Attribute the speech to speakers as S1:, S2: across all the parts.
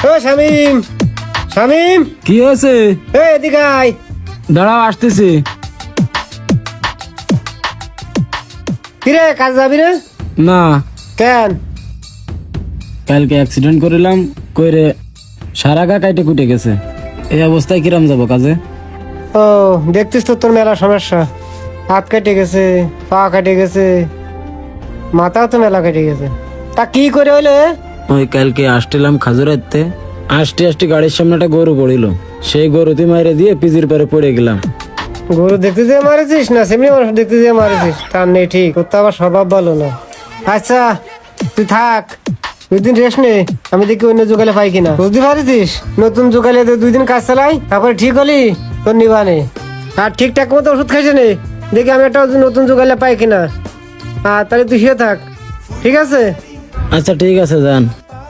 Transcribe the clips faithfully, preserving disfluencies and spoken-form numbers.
S1: ও শামিম, শামিম,
S2: কি হয়েছে?
S1: এই এদিকে আয়।
S2: দাঁড়াও, আসতেছি।
S1: কিরে কাজ যাবি না?
S2: না,
S1: কেন?
S2: কালকে অ্যাক্সিডেন্ট করিলাম, কইরে সারা গা কাইটে কুটে গেছে। এই অবস্থায় কিরাম যাব কাজে?
S1: ও দেখতিস তো তোর মেলা সমস্যা, হাত কেটে গেছে, পা কেটে গেছে, মাথাও তো মেলা কেটে গেছে। তা কি করে হইলে?
S2: ওই কালকে আসছিলাম খাজুরাতে, আসতে আসতে গাড়ির সামনে একটা গরু পড়িল, সেই গরুতে মাইরে দিয়ে পিজির পরে পড়ে গেলাম।
S1: গরু দেখতে যেয়ে মারেছিস না সেমনি মানুষ দেখতে যেয়ে মারেছিস? তার নেই ঠিক, তোর তো আবার স্বভাব ভালো না। আচ্ছা তুই থাক, দুই দিন রেস্ট নে, আমি দেখি অন্য জোগালে পাই কিনা। বুঝতে পারিস নতুন জোগালে দুই দিন কাজ চালাই, তারপরে ঠিক হলি তোর নিবানে। আর ঠিকঠাক মতো ওষুধ খাইছে নে, দেখি আমি একটা নতুন জোগালে পাই কিনা। আর তাহলে তুই শুয়ে থাক, ঠিক আছে?
S2: আচ্ছা ঠিক আছে, যান।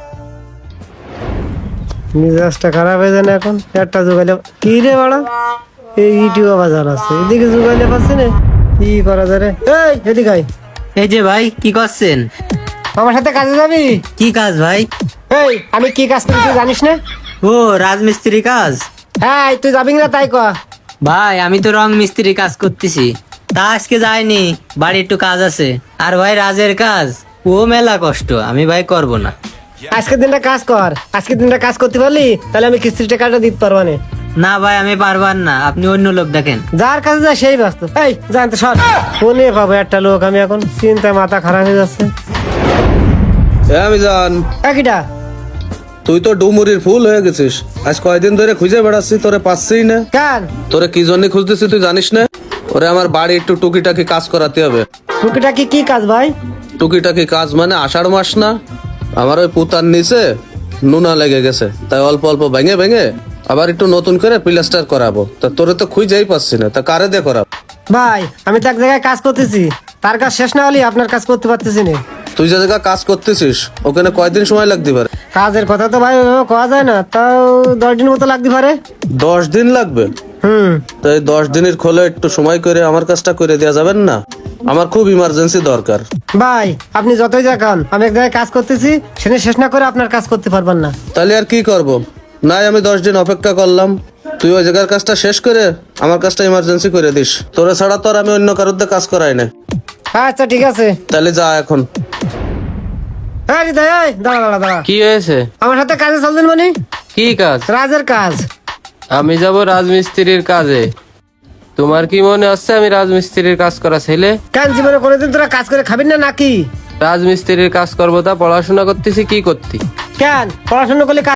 S1: মিজাজটা খারাপ হয়ে যায় না এখন? একটা জোগালে কি রে বাড়া, এই ইউটিউব বাজার আছে, এদিকে জোগালে পাচ্ছে না, কি করা যায় রে? এই এদিকে আয়।
S3: এই যে ভাই, কি করছেন?
S1: আমার সাথে কাজে যাবি?
S3: কি কাজ ভাই?
S1: এই আমি কি কাজ করি তুই জানিস না?
S3: ও রাজমিস্ত্রি কাজ।
S1: হ্যাঁ তুই যাবি না তাই কয়া।
S3: ভাই আমি তো রং মিস্ত্রি কাজ করতেছি, তা আজকে যাইনি, বাড়ি একটু কাজ আছে। আর ভাই রাজের কাজ ও মেলা কষ্ট, আমি ভাই করব না।
S1: আজকের দিনটা কাজ কর, আজকের দিনটা কাজ করতে পারলি তাহলে আমি কিস্তির টাকাটা দিতে পারবো না।
S3: না ভাই আমি পারবার না, আপনি অন্য লোক দেখেন।
S1: যার কাছে যায় সেই ব্যস্ত। এই জানতে সর, ফোনে পাবো একটা লোক, আমি এখন চিন্তায় মাথা খারাপ হয়ে যাচ্ছে।
S4: আমি জান,
S1: একইটা
S4: তুই তো ডুমুরির ফুল হয়ে গেছিস। আজ কয়দিন ধরে খুঁজে বেড়াচ্ছি, তোরে পাচ্ছিই না।
S1: কেন?
S4: তোরে কি জন্য খুঁজতেছি তুই জানিস না? ওরে আমার বাড়ি একটু টুকিটাকি কাজ করাতে হবে।
S1: টুকিটা কি কি কাজ ভাই?
S4: টুকিটাকি কাজ মানে আষাঢ় মাস না, আমার ওই পুতার নিচে নুনা লেগে গেছে, তাই অল্প অল্প ভেঙে ভেঙে আবার একটু নতুন করে প্লাস্টার করাবো। তা তোরে তো খুঁজেই পাচ্ছি না, তা কারে দিয়ে করাবো?
S1: ভাই আমি তো এক জায়গায় কাজ করতেছি, তার কাজ শেষ না হলে আপনার কাজ করতে পারতেছি না।
S4: তুই যে জায়গায় কাজ করতেছিস ওখানে কয়দিন সময় লাগতে পারে?
S1: কাজের কথা তো ভাই ওইভাবে কওয়া যায় না, তাও দশ দিন মতো লাগতে পারে।
S4: দশ দিন লাগবে?
S1: হুম
S4: তো এই দশ দিনের খোলে একটু সময় করে আমার কাজটা করে দেওয়া যাবেন না? আমার খুব ইমার্জেন্সি দরকার।
S1: ভাই আপনি যতই দেখান, আমি এক জায়গায় কাজ করতেছি, সেটা শেষ না করে আপনার কাজ করতে পারবেন না।
S4: তাহলে আর কি করব? নাই আমি দশ দিন অপেক্ষা করলাম, তুই ওই জায়গার কাজটা শেষ করে আমার কাজটা ইমার্জেন্সি করে দিস। তোরা ছাড়া তো আর আমি অন্য কারোর দিয়ে কাজ করাই না।
S1: আচ্ছা ঠিক আছে।
S4: তাহলে যা এখন।
S1: হ্যাঁ হৃদয়, এই, দাঁড়া দাঁড়া দাঁড়া,
S5: কি হয়েছে?
S1: আমার সাথে কাজে চলছেন মানে?
S5: কি কাজ?
S1: রাজের কাজ।
S5: আমি যাব রাজমিস্ত্রির কাজে। তোমার কি মনে হচ্ছে আমি রাজমিস্ত্রির কাজ করা ছেলে?
S1: কেন জীবনে কোনোদিন তোরা কাজ করে খাবি না নাকি?
S5: রাজমিস্ত্রির কাজ করবো তা পড়াশোনা করতেছি কি করতি?
S1: কেন পড়াশোনা করলে কাজ